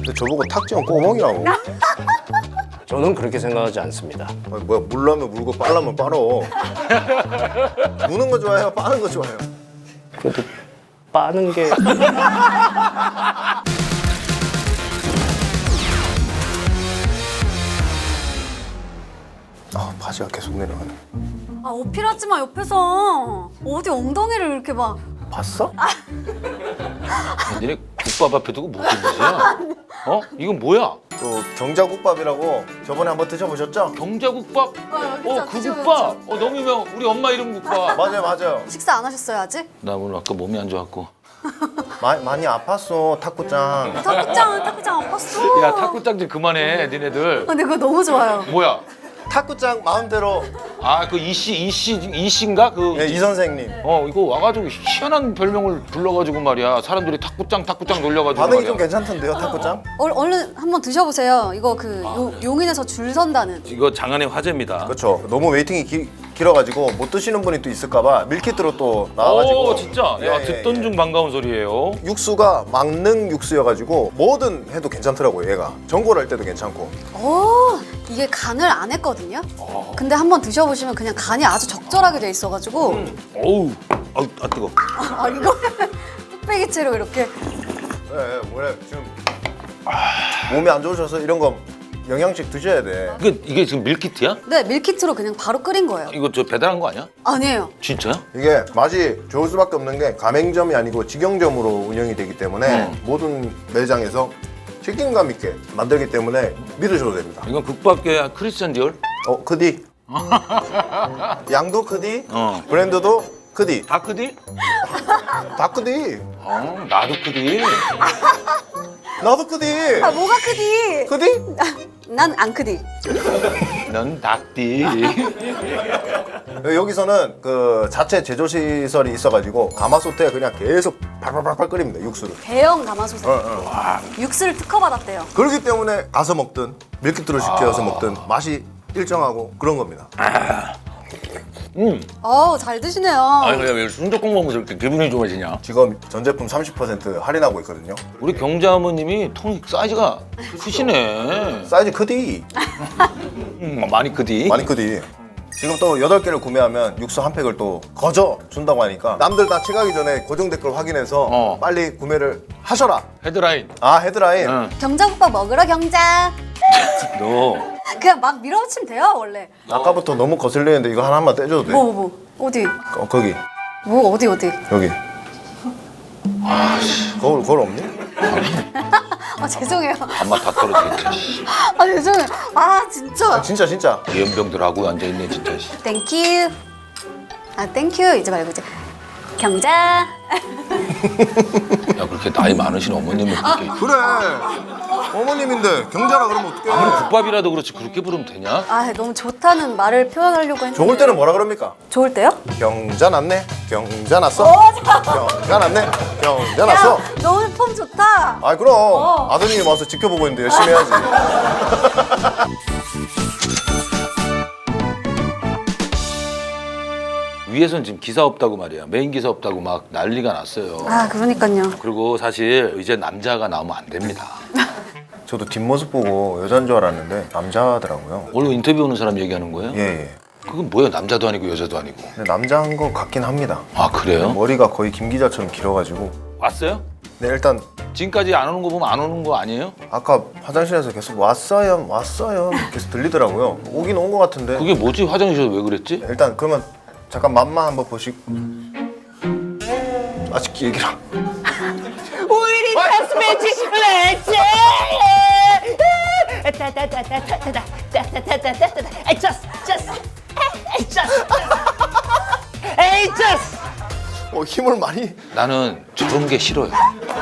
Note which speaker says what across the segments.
Speaker 1: 근데 저보고 탁지원 꼬멍이라고.
Speaker 2: 저는 그렇게 생각하지 않습니다.
Speaker 1: 아니, 뭐야, 물라면 물고 빨라면 빨어. 무는 거 좋아해요? 빠는 거 좋아해요?
Speaker 2: 그래도 빠는 게
Speaker 1: 아, 바지가 계속 내려가네.
Speaker 3: 아 어필하지 마 옆에서. 어디 엉덩이를 이렇게 막.
Speaker 1: 봤어?
Speaker 4: 니네 국밥 앞에 두고 무슨 짓이야? 어? 이건 뭐야?
Speaker 1: 또 경자국밥이라고 저번에 한번 드셔보셨죠?
Speaker 4: 경자국밥?
Speaker 3: 그쵸,
Speaker 4: 그
Speaker 3: 그쵸,
Speaker 4: 국밥! 너무 유명. 우리 엄마 이름 국밥.
Speaker 1: 맞아요, 맞아요.
Speaker 3: 식사 안 하셨어요 아직?
Speaker 4: 나 오늘 아까 몸이 안 좋았고.
Speaker 1: 많이 아팠어, 탁구장.
Speaker 3: 탁구장 아팠어.
Speaker 4: 야 탁구장 좀 그만해 니네들.
Speaker 3: 근데 그거 너무 좋아요.
Speaker 4: 뭐야?
Speaker 1: 탁구장 마음대로.
Speaker 4: 아 그 이씨인가? 그
Speaker 1: 네, 이 선생님.
Speaker 4: 이거 와가지고 희한한 별명을 불러가지고 말이야. 사람들이 탁구장 놀려가지고
Speaker 1: 반응이
Speaker 4: 말이야.
Speaker 1: 좀 괜찮던데요, 탁구장?
Speaker 3: 얼른 한번 드셔보세요. 이거 그 용인에서 줄 선다는.
Speaker 4: 이거 장안의 화제입니다.
Speaker 1: 그렇죠. 너무 웨이팅이 길어가지고 못 드시는 분이 또 있을까봐 밀키트로 또 나와가지고.
Speaker 4: 오 진짜?
Speaker 1: 예,
Speaker 4: 야
Speaker 1: 예,
Speaker 4: 듣던
Speaker 1: 예.
Speaker 4: 중 반가운 소리예요.
Speaker 1: 육수가 막능 육수여가지고 뭐든 해도 괜찮더라고요, 얘가. 전골 할 때도 괜찮고.
Speaker 3: 오 이게 간을 안 했거든요. 근데 한번 드셔보시면 그냥 간이 아주 적절하게 돼 있어가지고
Speaker 4: 어우 뜨거.
Speaker 3: 아 이거 뚝배기채로 이렇게.
Speaker 1: 네, 원래 지금 몸이 안 좋으셔서 이런 거 영양식 드셔야 돼.
Speaker 4: 이게 지금 밀키트야?
Speaker 3: 네 밀키트로 그냥 바로 끓인 거예요.
Speaker 4: 이거 저 배달한 거 아니야?
Speaker 3: 아니에요.
Speaker 4: 진짜야?
Speaker 1: 이게 맛이 좋을 수밖에 없는 게 가맹점이 아니고 직영점으로 운영이 되기 때문에 모든 매장에서 책임감 있게 만들기 때문에 믿으셔도 됩니다.
Speaker 4: 이건 국밥계 크리스찬 디올?
Speaker 1: 크디. 양도 크디,
Speaker 4: 어.
Speaker 1: 브랜드도 크디.
Speaker 4: 다크디?
Speaker 1: 다 크디.
Speaker 4: 나도 크디.
Speaker 1: 나도 크디.
Speaker 3: 아 뭐가 크디?
Speaker 1: 크디?
Speaker 3: 난 안 크디.
Speaker 4: 넌 닭디.
Speaker 1: 여기서는 그 자체 제조 시설이 있어가지고 가마솥에 그냥 계속 팔팔팔팔 끓입니다, 육수를.
Speaker 3: 대형 가마솥에
Speaker 1: 어.
Speaker 3: 육수를 특허받았대요.
Speaker 1: 그렇기 때문에 가서 먹든 밀키트로 시켜서 먹든 맛이 일정하고 그런 겁니다.
Speaker 3: 잘 드시네요.
Speaker 4: 아니 왜 순두국 먹으면서 이렇게 기분이 좋아지냐?
Speaker 1: 지금 전 제품 30% 할인하고 있거든요.
Speaker 4: 우리 경자 어머님이 통 사이즈가 크시네.
Speaker 1: 사이즈 크디.
Speaker 4: 많이 크디.
Speaker 1: 많이 크디. 지금 또 8개를 구매하면 육수 한 팩을 또 거저 준다고 하니까 남들 다 채가기 전에 고정 댓글 확인해서 빨리 구매를 하셔라.
Speaker 4: 헤드라인.
Speaker 1: 아, 헤드라인.
Speaker 4: 응.
Speaker 3: 경자국밥 먹으러 경자.
Speaker 4: 너
Speaker 3: 그냥 막 밀어붙이면 돼요 원래.
Speaker 1: 아까부터 너무 거슬리는데 이거 하나만 떼줘도 돼?
Speaker 3: 뭐 어디?
Speaker 1: 거기.
Speaker 3: 뭐 어디?
Speaker 1: 여기. 거울 없니?
Speaker 3: 아 죄송해요.
Speaker 4: 밥맛 다 떨어지겠지.
Speaker 3: 아 죄송해요. 아 진짜.
Speaker 1: 진짜.
Speaker 4: 연병들하고 앉아있네 진짜.
Speaker 3: 땡큐. 아 땡큐 이제 말고 이제 경자.
Speaker 4: 야 그렇게 나이 많으신 어머님을 그렇게
Speaker 1: 그래. 어머님인데 경자라 그러면 어떡해.
Speaker 4: 아무리 국밥이라도 그렇지 그렇게 부르면 되냐?
Speaker 3: 아 너무 좋다는 말을 표현하려고 했는데.
Speaker 1: 좋을 때는 뭐라 그럽니까?
Speaker 3: 좋을 때요?
Speaker 1: 경자 났네. 경자 났어. 경자 났네. 경자 났어.
Speaker 3: 야, 너무 폼 좋다.
Speaker 1: 아 그럼 아드님이 와서 지켜보고 있는데 열심히 해야지.
Speaker 4: 위에선 지금 기사 없다고 말이야. 메인 기사 없다고 막 난리가 났어요.
Speaker 3: 아 그러니까요.
Speaker 4: 그리고 사실 이제 남자가 나오면 안 됩니다.
Speaker 1: 저도 뒷모습 보고 여잔 줄 알았는데 남자더라고요.
Speaker 4: 원래 인터뷰 오는 사람 얘기하는 거예요?
Speaker 1: 예.
Speaker 4: 그건 뭐예요? 남자도 아니고 여자도 아니고.
Speaker 1: 근데 남자인 것 같긴 합니다.
Speaker 4: 아 그래요?
Speaker 1: 머리가 거의 김 기자처럼 길어가지고.
Speaker 4: 왔어요?
Speaker 1: 네, 일단
Speaker 4: 지금까지 안 오는 거 보면 안 오는 거 아니에요?
Speaker 1: 아까 화장실에서 계속 왔어요 계속 들리더라고요. 오긴 온 것 같은데.
Speaker 4: 그게 뭐지? 화장실에서 왜 그랬지?
Speaker 1: 일단 그러면 잠깐 맛만 한번 보시고. 아직 얘기를
Speaker 5: 우리 다스매치 레츠
Speaker 1: 힘을 많이.
Speaker 4: 나는 저런 게 싫어요.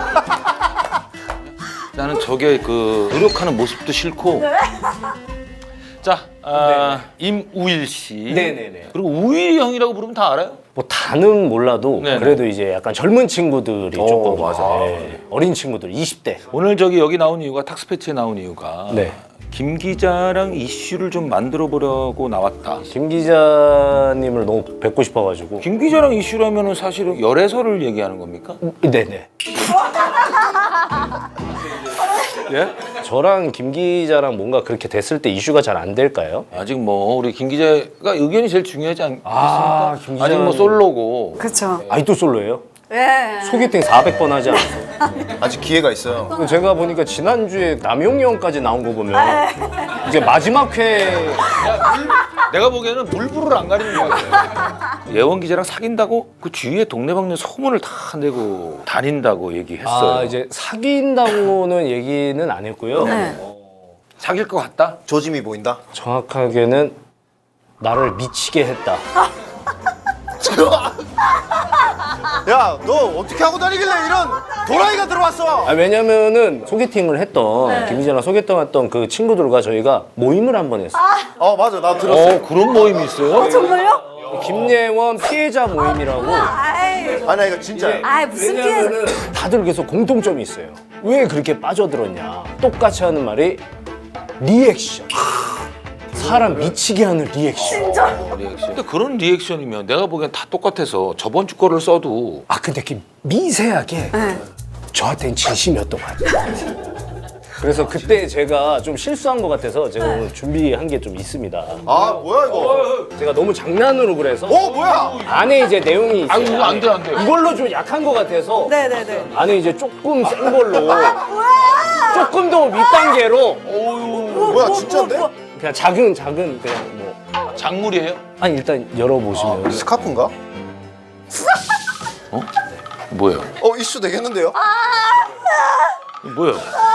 Speaker 4: 나는 저게 그 노력하는 모습도 싫고. 자, 임우일 씨.
Speaker 2: 네네네.
Speaker 4: 그리고 우일이 형이라고 부르면 다 알아요?
Speaker 2: 뭐 다는 몰라도
Speaker 4: 네네.
Speaker 2: 그래도 이제 약간 젊은 친구들이 조금
Speaker 1: 맞아.
Speaker 2: 어린 친구들 20대.
Speaker 4: 오늘 저기 여기 나온 이유가 탁스패치에 나온 이유가
Speaker 2: 네.
Speaker 4: 김 기자랑 이슈를 좀 만들어 보려고 나왔다.
Speaker 2: 김 기자님을 너무 뵙고 싶어가지고.
Speaker 4: 김 기자랑 이슈라면은 사실은 열애설을 얘기하는 겁니까?
Speaker 2: 네네.
Speaker 4: 예?
Speaker 2: 저랑 김 기자랑 뭔가 그렇게 됐을 때 이슈가 잘 안 될까요?
Speaker 4: 아직 뭐 우리 김 기자가 의견이 제일 중요하지 않겠습니까?
Speaker 2: 아, 김 기자는-
Speaker 4: 아직 뭐 솔로고.
Speaker 3: 그렇죠.
Speaker 2: 아직도 솔로예요?
Speaker 3: 예.
Speaker 2: 소개팅 400번 하지 않았어요?
Speaker 1: 아직 기회가 있어요.
Speaker 2: 제가 보니까 지난주에 남용이 형까지 나온 거 보면 이제 마지막 회
Speaker 4: 내가 보기에는 물불을 안 가리는 것 같아요. 예원 기자랑 사귄다고 그 주위에 동네방네 소문을 다 내고 다닌다고 얘기했어요.
Speaker 2: 아 이제 사귄다고는 얘기는 안 했고요.
Speaker 3: 네.
Speaker 4: 사귈 것 같다?
Speaker 1: 조짐이 보인다.
Speaker 2: 정확하게는 나를 미치게 했다.
Speaker 1: 야, 너 어떻게 하고 다니길래 이런 도라이가 들어왔어?
Speaker 2: 아, 왜냐면은 소개팅을 했던 김 기자랑 소개팅했던 그 친구들과 저희가 모임을 한 번 했어요.
Speaker 1: 맞아, 나 들었어.
Speaker 4: 그런 모임이 있어요?
Speaker 3: 정말요?
Speaker 2: 김예원 피해자 모임이라고.
Speaker 3: 아이,
Speaker 1: 아니, 이거 진짜.
Speaker 3: 아이 무슨 피해?
Speaker 2: 왜냐면은 다들 계속 공통점이 있어요. 왜 그렇게 빠져들었냐. 똑같이 하는 말이 리액션. 사람 미치게 하는 리액션.
Speaker 4: 리액션. 근데 그런 리액션이면 내가 보기엔 다 똑같아서 저번 주 거를 써도
Speaker 2: 아 근데 그 미세하게 저한테는 진심이었던 것 같아요. 그래서 그때 제가 좀 실수한 것 같아서 제가 오늘 준비한 게 좀 있습니다.
Speaker 1: 아, 뭐야, 이거?
Speaker 2: 제가 너무 장난으로 그래서
Speaker 1: 뭐야?
Speaker 2: 안에 이제 내용이 있어요.
Speaker 4: 아이고, 안 돼, 안 돼.
Speaker 2: 이걸로 좀 약한 것 같아서
Speaker 3: 네네네.
Speaker 2: 안에 이제 조금 센 걸로 조금 더 윗단계로
Speaker 1: 뭐야, 진짜인데?
Speaker 2: 그냥 작은 그냥 뭐
Speaker 4: 작물이에요?
Speaker 2: 아니 일단 열어보시면
Speaker 1: 스카프인가?
Speaker 4: 뭐예요?
Speaker 1: 이슈 되겠는데요?
Speaker 4: 뭐예요?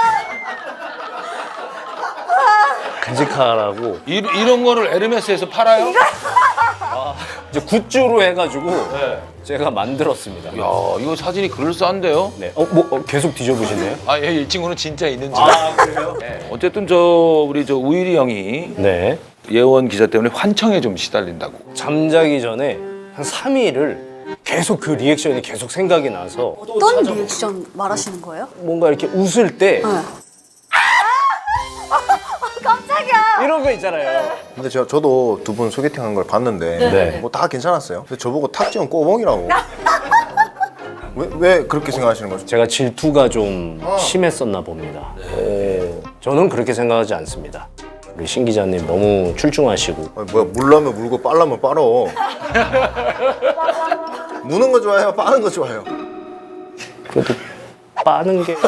Speaker 2: 간직하라고
Speaker 4: 이런 거를 에르메스에서 팔아요?
Speaker 2: 이제 굿즈로 해가지고 제가 만들었습니다.
Speaker 4: 야, 이거 사진이 그럴싸한데요?
Speaker 2: 네. 계속 뒤져보시네요?
Speaker 4: 아, 예, 이 친구는 진짜 있는지.
Speaker 2: 그래요?
Speaker 4: 어쨌든 우리 우일이 형이
Speaker 2: 네.
Speaker 4: 예원 기자 때문에 환청에 좀 시달린다고.
Speaker 2: 잠자기 전에 한 3일을 계속 그 리액션이 계속 생각이 나서
Speaker 3: 어떤 리액션 말하시는 거예요?
Speaker 2: 뭔가 이렇게 웃을 때
Speaker 3: 깜짝이야.
Speaker 2: 이런 거 있잖아요.
Speaker 1: 근데 저도 두 분 소개팅한 걸 봤는데
Speaker 2: 네.
Speaker 1: 뭐 다 괜찮았어요. 근데 저보고 탁지원 꼬봉이라고. 왜 그렇게 생각하시는 거죠?
Speaker 2: 제가 질투가 좀 심했었나 봅니다. 저는 그렇게 생각하지 않습니다. 우리 신 기자님 너무 출중하시고
Speaker 1: 아니, 뭐야, 물라면 물고 빨라면 빨어. 무는 거 좋아해요? 빠는 거 좋아해요?
Speaker 2: 그래도 빠는 게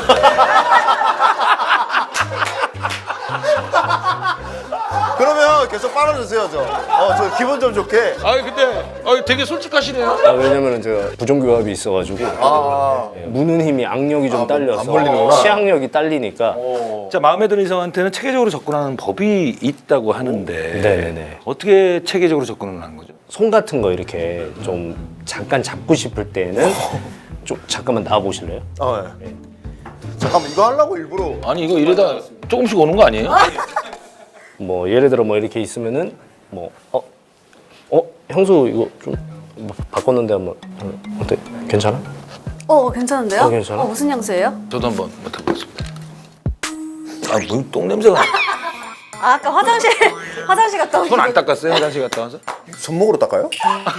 Speaker 1: 그러면 계속 빨아주세요, 저 기분 좀 좋게.
Speaker 4: 아, 근데 되게 솔직하시네요.
Speaker 2: 왜냐면은 제가 부정교합이 있어가지고 무는 힘이 악력이 좀 딸려서
Speaker 1: 안 벌리는구나.
Speaker 2: 치악력이 딸리니까
Speaker 4: 자, 마음에 드는 이성한테는 체계적으로 접근하는 법이 있다고 하는데
Speaker 2: 네네네.
Speaker 4: 어떻게 체계적으로 접근을 하는 거죠?
Speaker 2: 손 같은 거 이렇게 좀 잠깐 잡고 싶을 때는 좀 잠깐만 나와 보실래요?
Speaker 1: 네. 잠깐만, 이거 하려고 일부러.
Speaker 4: 아니, 이거 이러다 조금씩 오는 거 아니에요?
Speaker 2: 뭐 예를 들어 뭐 이렇게 있으면은 뭐 형수 이거 좀 바꿨는데 한번 어때? 괜찮아?
Speaker 3: 괜찮은데요?
Speaker 2: 괜찮아?
Speaker 3: 무슨 향수예요?
Speaker 4: 저도 한번 맡아보겠습니다. 아, 무슨 똥 냄새가.
Speaker 3: 아까 화장실 갔다 온.
Speaker 4: 손 안 닦았어요? 화장실 갔다 와서?
Speaker 1: 손목으로 닦아요?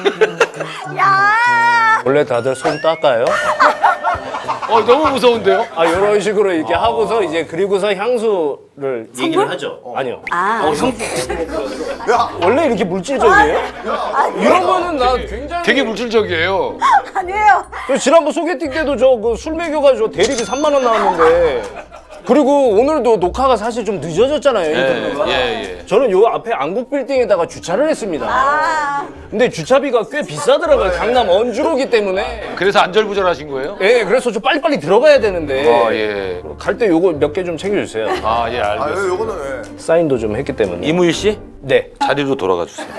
Speaker 3: 야.
Speaker 2: 원래 다들 손 닦아요?
Speaker 4: 너무 무서운데요?
Speaker 2: 이런 식으로 이렇게 하고서 이제 그리고서 향수를 얘기를 하죠. 아니요.
Speaker 1: 야,
Speaker 2: 원래 이렇게 물질적이에요? 이런 거는 나 굉장히
Speaker 4: 되게 물질적이에요.
Speaker 3: 아니에요.
Speaker 2: 저 지난번 소개팅 때도 저 그 술 먹여가지고 대리비 3만 원 나왔는데 그리고 오늘도 녹화가 사실 좀 늦어졌잖아요. 인터뷰가.
Speaker 4: 예.
Speaker 2: 저는 요 앞에 안국 빌딩에다가 주차를 했습니다. 근데 주차비가 꽤 비싸더라고요. 강남 언주로기 때문에.
Speaker 4: 그래서 안절부절하신 거예요?
Speaker 2: 예, 그래서 좀 빨리빨리 들어가야 되는데
Speaker 4: 예.
Speaker 2: 갈 때 요거 몇 개 좀 챙겨주세요.
Speaker 4: 예, 알겠습니다.
Speaker 1: 요거는 왜?
Speaker 2: 사인도 좀 했기 때문에.
Speaker 4: 이무일 씨,
Speaker 2: 네.
Speaker 4: 자리로 돌아가 주세요.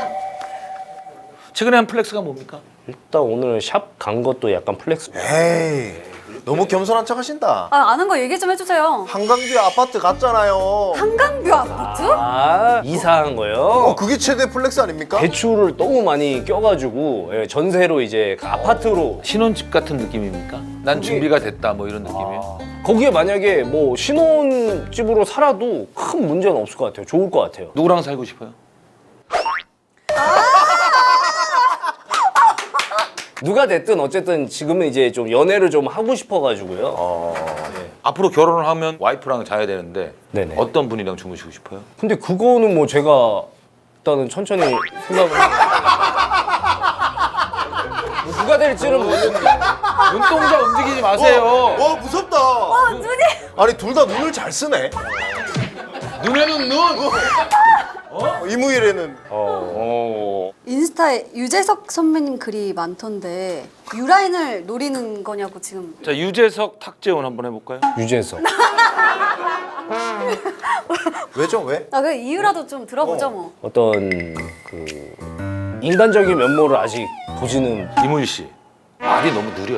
Speaker 4: 최근에 한 플렉스가 뭡니까?
Speaker 2: 일단 오늘 샵 간 것도 약간 플렉스.
Speaker 1: 에이, 너무 겸손한 척 하신다.
Speaker 3: 아는 거 얘기 좀 해주세요.
Speaker 1: 한강뷰 아파트 갔잖아요.
Speaker 3: 한강뷰 아파트?
Speaker 2: 이사한 거요?
Speaker 1: 그게 최대 플렉스 아닙니까?
Speaker 2: 대출을 너무 많이 껴가지고 전세로 이제 그 아파트로
Speaker 4: 신혼집 같은 느낌입니까? 난 준비가 됐다 뭐 이런 느낌이에요?
Speaker 2: 거기에 만약에 뭐 신혼집으로 살아도 큰 문제는 없을 것 같아요. 좋을 것 같아요.
Speaker 4: 누구랑 살고 싶어요?
Speaker 2: 누가 됐든 어쨌든 지금은 이제 좀 연애를 좀 하고 싶어가지고요. 네.
Speaker 4: 앞으로 결혼을 하면 와이프랑 자야 되는데
Speaker 2: 네네.
Speaker 4: 어떤 분이랑 주무시고 싶어요?
Speaker 2: 근데 그거는 뭐 제가 일단은 천천히 생각을 뭐 누가 될지는 모르겠는데
Speaker 4: 눈동자 움직이지 마세요.
Speaker 1: 와 무섭다. 아니 둘 다 눈을 잘 쓰네.
Speaker 4: 눈에는 눈.
Speaker 1: 이무일에는
Speaker 3: 인스타에 유재석 선배님 글이 많던데 유라인을 노리는 거냐고 지금.
Speaker 4: 자 유재석 탁재훈 한번 해볼까요?
Speaker 2: 유재석.
Speaker 1: 왜죠 왜?
Speaker 3: 아, 그 이유라도 좀 들어보죠 뭐.
Speaker 2: 어떤 그 인간적인 면모를 아직 보지는
Speaker 4: 이무일 씨 말이 너무 느려요.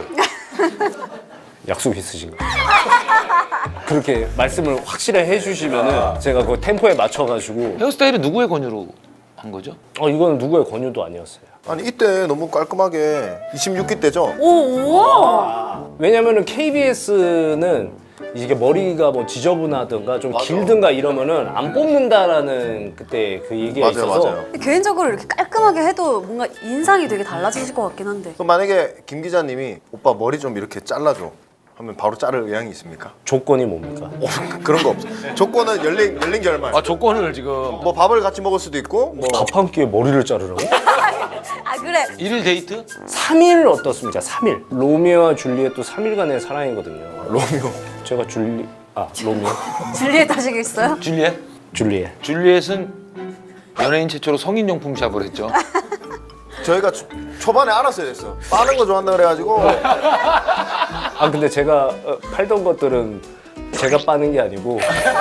Speaker 2: 약속 있으신가요? 그렇게 말씀을 확실히 해주시면은 제가 그 템포에 맞춰가지고
Speaker 4: 헤어스타일은 누구의 권유로 한 거죠?
Speaker 2: 이거는 누구의 권유도 아니었어요.
Speaker 1: 아니 이때 너무 깔끔하게 26기 때죠?
Speaker 3: 오.
Speaker 2: 왜냐면은 KBS는 이게 머리가 뭐 지저분하든가 좀 길든가 이러면은 안 뽑는다라는 그때 그 얘기가
Speaker 1: 맞아요,
Speaker 2: 있어서
Speaker 1: 맞아요.
Speaker 3: 개인적으로 이렇게 깔끔하게 해도 뭔가 인상이 되게 달라지실 것 같긴 한데.
Speaker 1: 그럼 만약에 김 기자님이 오빠 머리 좀 이렇게 잘라줘 하면 바로 자를 의향이 있습니까?
Speaker 2: 조건이 뭡니까?
Speaker 1: 그런 거 없어. 조건은 열린 결말.
Speaker 4: 아 조건을 지금
Speaker 1: 뭐 밥을 같이 먹을 수도 있고 뭐
Speaker 2: 밥 한 끼에 머리를 자르라고?
Speaker 3: 아 그래.
Speaker 4: 1일 데이트?
Speaker 2: 3일 어떻습니까? 3일. 로미오와 줄리엣도 3일간의 사랑이거든요.
Speaker 1: 로미오.
Speaker 2: 제가 로미오?
Speaker 3: 줄리엣 하시겠어요?
Speaker 4: 줄리엣?
Speaker 2: 줄리엣.
Speaker 4: 줄리엣은 연예인 최초로 성인용품 샵을 했죠.
Speaker 1: 저희가 초반에 알았어야 됐어. 빠는 거 좋아한다 그래가지고
Speaker 2: 근데 제가 팔던 것들은 제가 빠는 게 아니고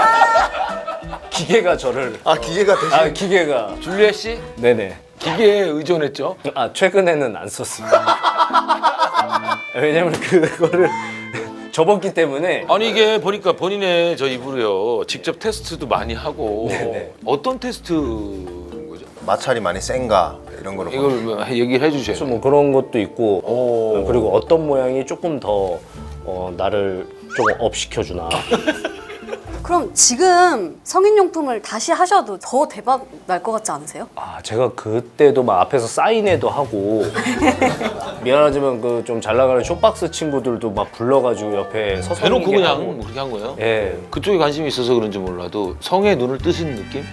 Speaker 2: 기계가 저를
Speaker 1: 기계가 대신
Speaker 2: 기계가
Speaker 4: 줄리엣 씨
Speaker 2: 네네.
Speaker 4: 기계에 의존했죠.
Speaker 2: 최근에는 안 썼습니다. 왜냐면 그거를 접었기 때문에
Speaker 4: 아니 이게 보니까 본인의 저 입으로요 직접 테스트도 많이 하고
Speaker 2: 네네.
Speaker 4: 어떤 테스트인 거죠?
Speaker 1: 마찰이 많이 센가 이런 거를
Speaker 4: 이걸 뭐 얘기를 해주셔야
Speaker 2: 그래서
Speaker 4: 돼요.
Speaker 2: 뭐 그런 것도 있고 그리고 어떤 모양이 조금 더 나를 조금 업 시켜주나.
Speaker 3: 그럼 지금 성인용품을 다시 하셔도 더 대박 날 것 같지 않으세요?
Speaker 2: 제가 그때도 막 앞에서 사인회도 하고 미안하지만 그 좀 잘 나가는 쇼박스 친구들도 막 불러가지고 옆에 서서
Speaker 4: 대놓고
Speaker 2: 있는 게
Speaker 4: 그냥
Speaker 2: 하고.
Speaker 4: 뭐 그렇게 한 거예요?
Speaker 2: 예.
Speaker 4: 그쪽에 관심이 있어서 그런지 몰라도 성에 눈을 뜨신 느낌?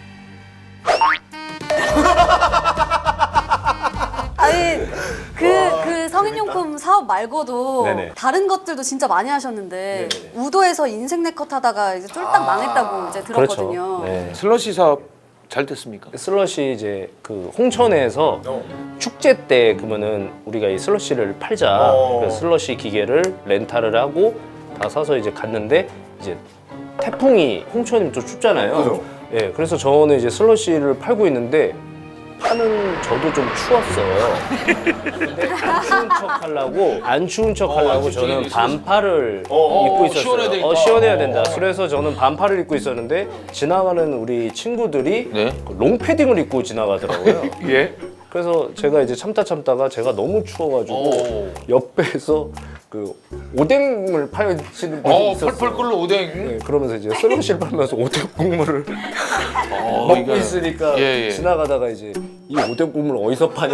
Speaker 3: 아니 그 성인용품 사업 말고도
Speaker 2: 네네.
Speaker 3: 다른 것들도 진짜 많이 하셨는데
Speaker 2: 네네.
Speaker 3: 우도에서 인생 네컷 하다가 이제 쫄딱 망했다고 이제 들었거든요.
Speaker 2: 그렇죠. 네.
Speaker 4: 슬러시 사업 잘 됐습니까?
Speaker 2: 슬러시 이제 그 홍천에서 축제 때 그러면은 우리가 이 슬러시를 팔자. 그래서 슬러시 기계를 렌탈을 하고 다 사서 이제 갔는데 이제 태풍이 홍천이면 좀 춥잖아요.
Speaker 1: 그죠.
Speaker 2: 예, 그래서 저는 이제 슬러시를 팔고 있는데 파는 저도 좀 추웠어요. 근데 안 추운 척 하려고 저는 반팔을 입고 있었어요.
Speaker 4: 시원해야 되니까.
Speaker 2: 시원해야 된다. 그래서 저는 반팔을 입고 있었는데 지나가는 우리 친구들이
Speaker 4: 네.
Speaker 2: 그 롱패딩을 입고 지나가더라고요.
Speaker 4: 예.
Speaker 2: 그래서 제가 이제 참다가 제가 너무 추워가지고 옆에서 그 오뎅을 파시는 분이 있었어요.
Speaker 4: 펄펄 끓는 오뎅.
Speaker 2: 네, 그러면서 이제 슬러시를 팔면서 오뎅 국물을 먹고
Speaker 4: 이거-
Speaker 2: 있으니까
Speaker 4: 예.
Speaker 2: 지나가다가 이제 이 오뎅 국물 어디서 파냐?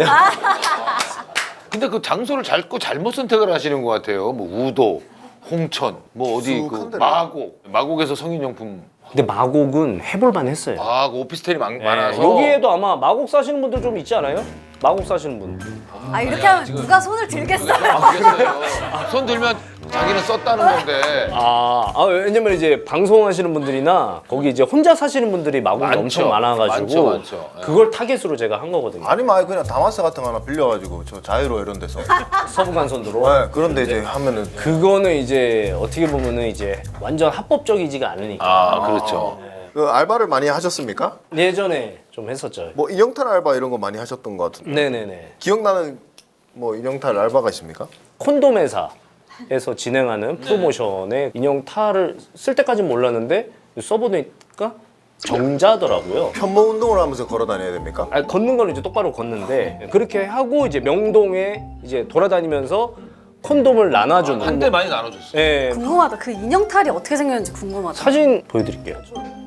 Speaker 4: 근데 그 장소를 잘못 선택을 하시는 것 같아요. 뭐 우도, 홍천, 뭐 어디
Speaker 1: 쑥
Speaker 4: 그
Speaker 1: 한 데를.
Speaker 4: 마곡에서 성인용품.
Speaker 2: 근데 마곡은 해볼만 했어요.
Speaker 4: 그 오피스텔이
Speaker 2: 네,
Speaker 4: 많아서
Speaker 2: 여기에도 아마 마곡 사시는 분들 좀 있지 않아요? 마곡 사시는 분.
Speaker 3: 아 이렇게 하면 누가 손을 들겠어요?
Speaker 4: 알겠어요. 손 들면 자기는 썼다는 건데.
Speaker 2: 왜냐면 이제 방송하시는 분들이나 거기 이제 혼자 사시는 분들이 마곡이
Speaker 4: 많죠.
Speaker 2: 엄청 많아가지고
Speaker 4: 많죠. 예.
Speaker 2: 그걸 타겟으로 제가 한 거거든요.
Speaker 1: 아니면 그냥 다마스 같은 거 하나 빌려가지고 저 자유로 이런 데서
Speaker 2: 서부간선도로.
Speaker 1: 네, 그런데 이제 하면은
Speaker 2: 그거는 이제 어떻게 보면은 이제 완전 합법적이지가 않으니까.
Speaker 4: 그렇죠.
Speaker 1: 그 알바를 많이 하셨습니까?
Speaker 2: 예전에 좀 했었죠.
Speaker 1: 뭐 인형탈 알바 이런 거 많이 하셨던 것 같은데
Speaker 2: 네네네.
Speaker 1: 기억나는 뭐 인형탈 알바가 있습니까?
Speaker 2: 콘돔 회사에서 진행하는 프로모션에 인형 탈을 쓸 때까지는 몰랐는데 써보니까 정자더라고요.
Speaker 1: 편모 운동을 하면서 걸어 다녀야 됩니까?
Speaker 2: 걷는 건 이제 똑바로 걷는데 그렇게 하고 이제 명동에 이제 돌아다니면서 콘돔을 나눠주는.
Speaker 4: 한때 많이 나눠줬어요.
Speaker 2: 예.
Speaker 3: 궁금하다. 그 인형탈이 어떻게 생겼는지 궁금하다.
Speaker 2: 사진 보여드릴게요.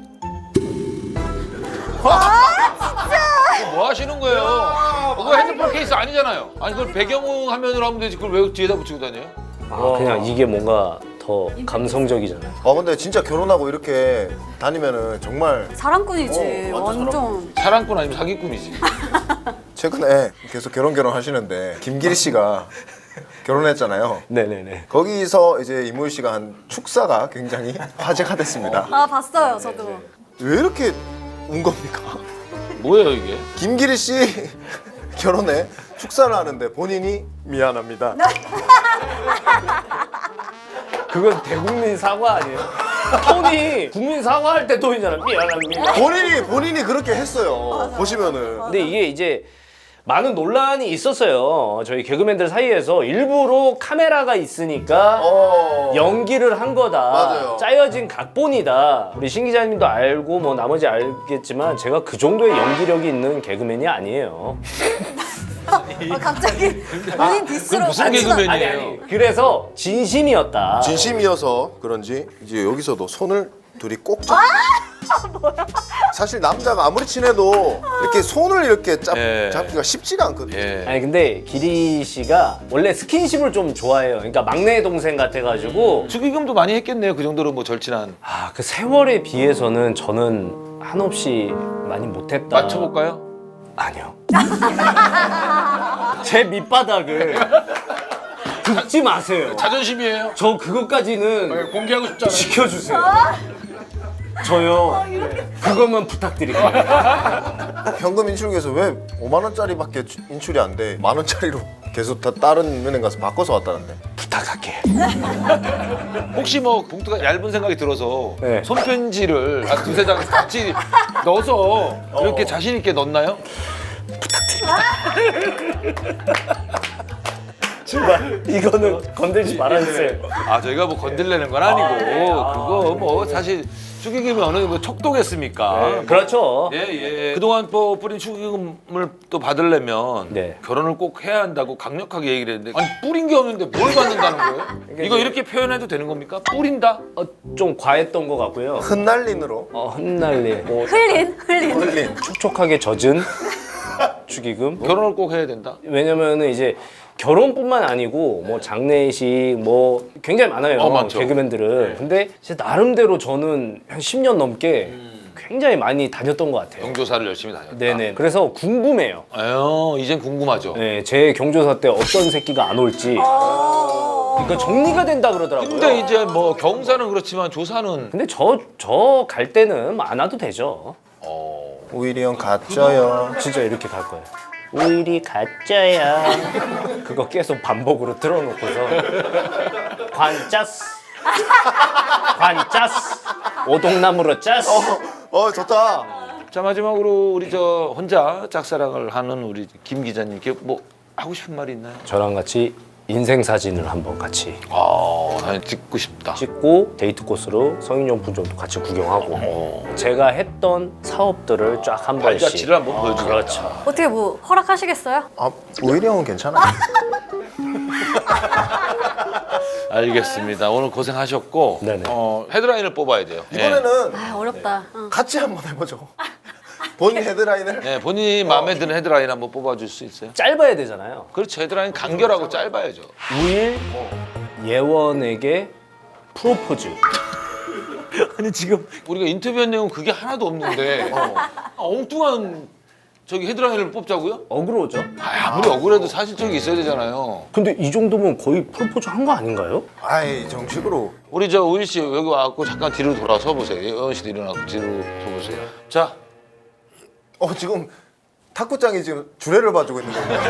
Speaker 4: 뭐 하시는 거예요? 그거 핸드폰 케이스 아니잖아요. 아니 그걸 배경 화면으로 하면 되지. 그걸 왜 뒤에다 붙이고 다녀요?
Speaker 2: 그냥 이게 뭔가 더 감성적이잖아요.
Speaker 1: 근데 진짜 결혼하고 이렇게 다니면은 정말
Speaker 3: 사랑꾼이지.
Speaker 1: 완전
Speaker 3: 완전.
Speaker 4: 사랑꾼 아니면 사기꾼이지.
Speaker 1: 최근에 계속 결혼하시는데 김기리 씨가 결혼했잖아요.
Speaker 2: 네네네.
Speaker 1: 거기서 이제 이무희 씨가 한 축사가 굉장히 화제가 됐습니다.
Speaker 3: 아 봤어요 저도.
Speaker 1: 왜 이렇게 운 겁니까?
Speaker 4: 뭐예요 이게?
Speaker 1: 김기리 씨 결혼에 축사를 하는데 본인이 미안합니다.
Speaker 2: 그건 대국민 사과 아니에요? 톤이 국민 사과할 때 톤이잖아. 미안합니다.
Speaker 1: 본인이 그렇게 했어요. 보시면은.
Speaker 2: 근데 이게 이제 많은 논란이 있었어요. 저희 개그맨들 사이에서 일부러 카메라가 있으니까 연기를 한 거다.
Speaker 1: 맞아요.
Speaker 2: 짜여진 각본이다. 우리 신 기자님도 알고 뭐 나머지 알겠지만 제가 그 정도의 연기력이 있는 개그맨이 아니에요.
Speaker 3: 갑자기 본인 디스로.
Speaker 4: 무슨
Speaker 3: 안 친하-
Speaker 4: 개그맨이에요?
Speaker 2: 그래서 진심이었다.
Speaker 1: 진심이어서 그런지 이제 여기서도 손을 둘이 꼭 잡. 사실 남자가 아무리 친해도 이렇게 손을 이렇게
Speaker 4: 예.
Speaker 1: 잡기가 쉽지가 않거든요.
Speaker 4: 예.
Speaker 2: 아니 근데 기리 씨가 원래 스킨십을 좀 좋아해요. 그러니까 막내 동생 같아가지고
Speaker 4: 축의금도 많이 했겠네요. 그 정도로 뭐 절친한.
Speaker 2: 그 세월에 비해서는 저는 한없이 많이 못했다.
Speaker 4: 맞춰볼까요?
Speaker 2: 아니요. 제 밑바닥을 긁지 마세요.
Speaker 4: 자존심이에요.
Speaker 2: 저 그것까지는
Speaker 4: 공개하고 싶잖아요.
Speaker 2: 지켜주세요. 저요. 그것만 부탁드릴게요.
Speaker 1: 현금 인출기에서 왜 5만 원짜리밖에 인출이 안 돼? 1만 원짜리로 계속 다 다른 은행 가서 바꿔서 왔다는데.
Speaker 2: 부탁할게.
Speaker 4: 혹시 뭐 봉투가 얇은 생각이 들어서
Speaker 2: 네.
Speaker 4: 손편지를 한 두세 장 같이 넣어서 이렇게 자신 있게 넣나요?
Speaker 2: 제발 이거는 건들지 말아주세요.
Speaker 4: 아 저희가 뭐 건들려는 건 아니고 그거 뭐 사실 축의금이 어느 뭐 척도겠습니까?
Speaker 2: 그렇죠.
Speaker 4: 예. 그동안 뭐 뿌린 축의금을 또 받으려면
Speaker 2: 네.
Speaker 4: 결혼을 꼭 해야 한다고 강력하게 얘기를 했는데 아니 뿌린 게 없는데 뭘 받는다는 거예요? 이거 이렇게 표현해도 되는 겁니까? 뿌린다?
Speaker 2: 좀 과했던 것 같고요.
Speaker 1: 흩날린으로.
Speaker 2: 흩날리. 뭐
Speaker 3: 흘린.
Speaker 1: 흘린.
Speaker 2: 촉촉하게 젖은 축의금.
Speaker 4: 결혼을 꼭 해야 된다?
Speaker 2: 왜냐면은 이제 결혼뿐만 아니고 뭐 장례식 뭐 굉장히 많아요.
Speaker 4: 많죠.
Speaker 2: 개그맨들은. 근데 진짜 나름대로 저는 한 10년 넘게 굉장히 많이 다녔던 것 같아요.
Speaker 4: 경조사를 열심히 다녔다.
Speaker 2: 네네. 그래서 궁금해요.
Speaker 4: 이젠 궁금하죠.
Speaker 2: 네, 제 경조사 때 어떤 새끼가 안 올지. 그러니까 정리가 된다 그러더라고요.
Speaker 4: 근데 이제 뭐 경사는 그렇지만 조사는
Speaker 2: 근데 저 갈 때는 뭐안 와도 되죠.
Speaker 1: 우일이 형 가짜요.
Speaker 2: 진짜 이렇게 갈 거예요. 오일이 가짜야. 그거 계속 반복으로 틀어놓고서 관짜스 오동나무로 짜스.
Speaker 1: 좋다.
Speaker 4: 자 마지막으로 우리 저 혼자 짝사랑을 하는 우리 김 기자님께 뭐 하고 싶은 말이 있나요?
Speaker 2: 저랑 같이 인생 사진을 한번 같이
Speaker 4: 사진 찍고 싶다.
Speaker 2: 찍고 데이트 코스로 성인용품점도 같이 구경하고 제가 했던 사업들을 쫙 한 번씩
Speaker 4: 발자취를 한번 보여주자.
Speaker 2: 그렇죠.
Speaker 3: 어떻게 뭐 허락하시겠어요?
Speaker 1: 우일이 형은 괜찮아.
Speaker 4: 알겠습니다. 오늘 고생하셨고
Speaker 2: 네네.
Speaker 4: 헤드라인을 뽑아야 돼요.
Speaker 1: 이번에는
Speaker 3: 아 어렵다.
Speaker 1: 같이 한번 해보죠. 본인 헤드라인을.
Speaker 4: 네, 본인이 마음에 드는 헤드라인 한번 뽑아줄 수 있어요?
Speaker 2: 짧아야 되잖아요.
Speaker 4: 그렇죠. 헤드라인 간결하고 짧아야죠.
Speaker 2: 우일 예원에게 프로포즈.
Speaker 4: 아니 지금 우리가 인터뷰한 내용은 그게 하나도 없는데 엉뚱한 저기 헤드라인을 뽑자고요?
Speaker 2: 어그로죠.
Speaker 4: 아무리 억울해도 사실적이 있어야 되잖아요.
Speaker 2: 근데 이 정도면 거의 프로포즈 한 거 아닌가요?
Speaker 1: 아이 정식으로.
Speaker 4: 우리 저 우일 씨 여기 와갖고 잠깐 뒤로 돌아서 보세요. 예원 씨도 일어나고 뒤로 서보세요. 자,
Speaker 1: 지금 탁구장이 지금 주례를 봐주고 있는 거예요.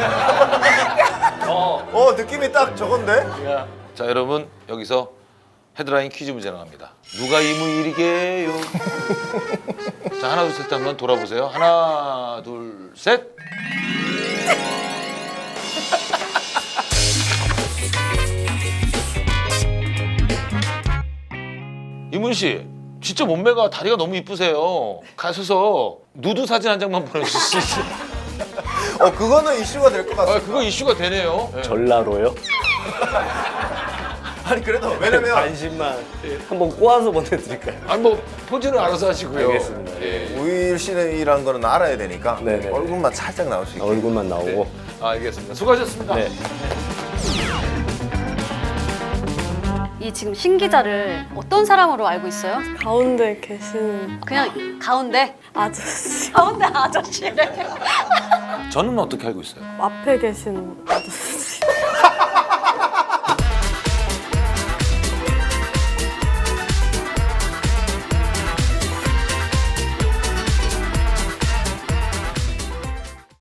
Speaker 1: 느낌이 딱 저건데?
Speaker 4: 자 여러분 여기서 헤드라인 퀴즈 문제 나갑니다. 누가 이무일이게요? 자 하나 둘 셋 한번 돌아보세요. 하나 둘 셋. 이문 씨 진짜 몸매가 다리가 너무 이쁘세요. 가셔서 누드 사진 한 장만 보내주실 수 있어요?
Speaker 1: 그거는 이슈가 될 것 같아요.
Speaker 4: 그거 이슈가 되네요. 네.
Speaker 2: 전라로요?
Speaker 1: 아니 그래도 왜냐면
Speaker 2: 관심만 한번 꼬아서 보내드릴까요?
Speaker 4: 아니 뭐 포즈는 알아서 하시고요.
Speaker 2: 알겠습니다.
Speaker 4: 예.
Speaker 1: 우일 씨라는 거는 알아야 되니까
Speaker 2: 네네.
Speaker 1: 얼굴만 살짝 나올 수 있게.
Speaker 2: 얼굴만 나오고.
Speaker 4: 알겠습니다. 수고하셨습니다.
Speaker 2: 네.
Speaker 3: 이 지금 신 기자를 어떤 사람으로 알고 있어요?
Speaker 6: 가운데 계신
Speaker 3: 그냥 가운데
Speaker 6: 아저씨,
Speaker 3: 가운데 아저씨래.
Speaker 4: 저는 어떻게 알고 있어요?
Speaker 6: 앞에 계신 아저씨.